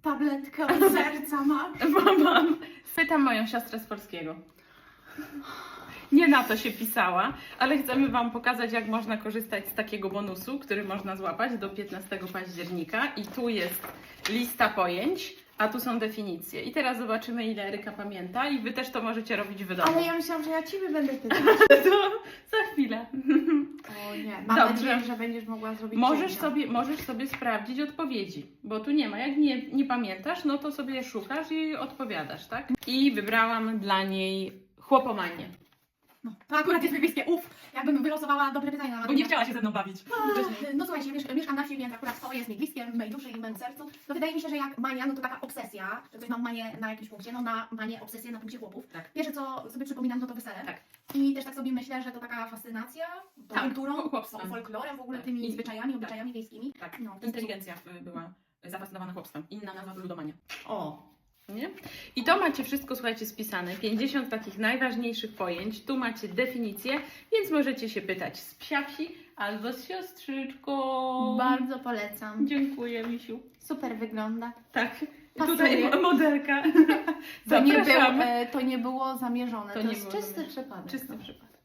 tabletkę od serca mam. Mam. Pytam moją siostrę z polskiego. Nie na to się pisała, ale chcemy Wam pokazać, jak można korzystać z takiego bonusu, który można złapać do 15 października. I tu jest lista pojęć, a tu są definicje. I teraz zobaczymy, ile Eryka pamięta i Wy też to możecie robić w domu. Ale ja myślałam, że ja Ciebie będę pytać. To za chwilę. O nie, mam Dobrze. nadzieję, że będziesz mogła zrobić Możesz sobie sprawdzić odpowiedzi, bo tu nie ma. Jak nie pamiętasz, no to sobie szukasz i odpowiadasz, tak? I wybrałam dla niej chłopomanię. No, to akurat jest bliskie. Jakbym wylosowała dobre pytania na Bo nie chciała się ze mną bawić. No słuchajcie, mieszkam na wsi, więc akurat to jest mi bliskie w mej duszy i w moim sercu. To wydaje mi się, że jak mania, no to taka obsesja, że ktoś ma manię na jakimś punkcie, no na manię, obsesję na punkcie chłopów. Tak. Pierwsze co sobie przypominam, no to wesele. Tak. I też tak sobie myślę, że to taka fascynacja tą Tak, kulturą, chłopstwem. folklorem, w ogóle Tak. tymi I- zwyczajami, obyczajami wiejskimi. Tak, No, inteligencja była zafascynowana chłopstwem. Inna nazwa to ludomania. O! Nie? I to macie wszystko, słuchajcie, spisane. 50 takich najważniejszych pojęć. Tu macie definicje, więc możecie się pytać z psia wsi albo z siostryczką. Bardzo polecam. Dziękuję, misiu. Super wygląda. Tak, Pasuje. tutaj modelka. To Zapraszamy. to nie było zamierzone. To To nie jest było czysty zamierzone. przypadek. Czysty przypadek.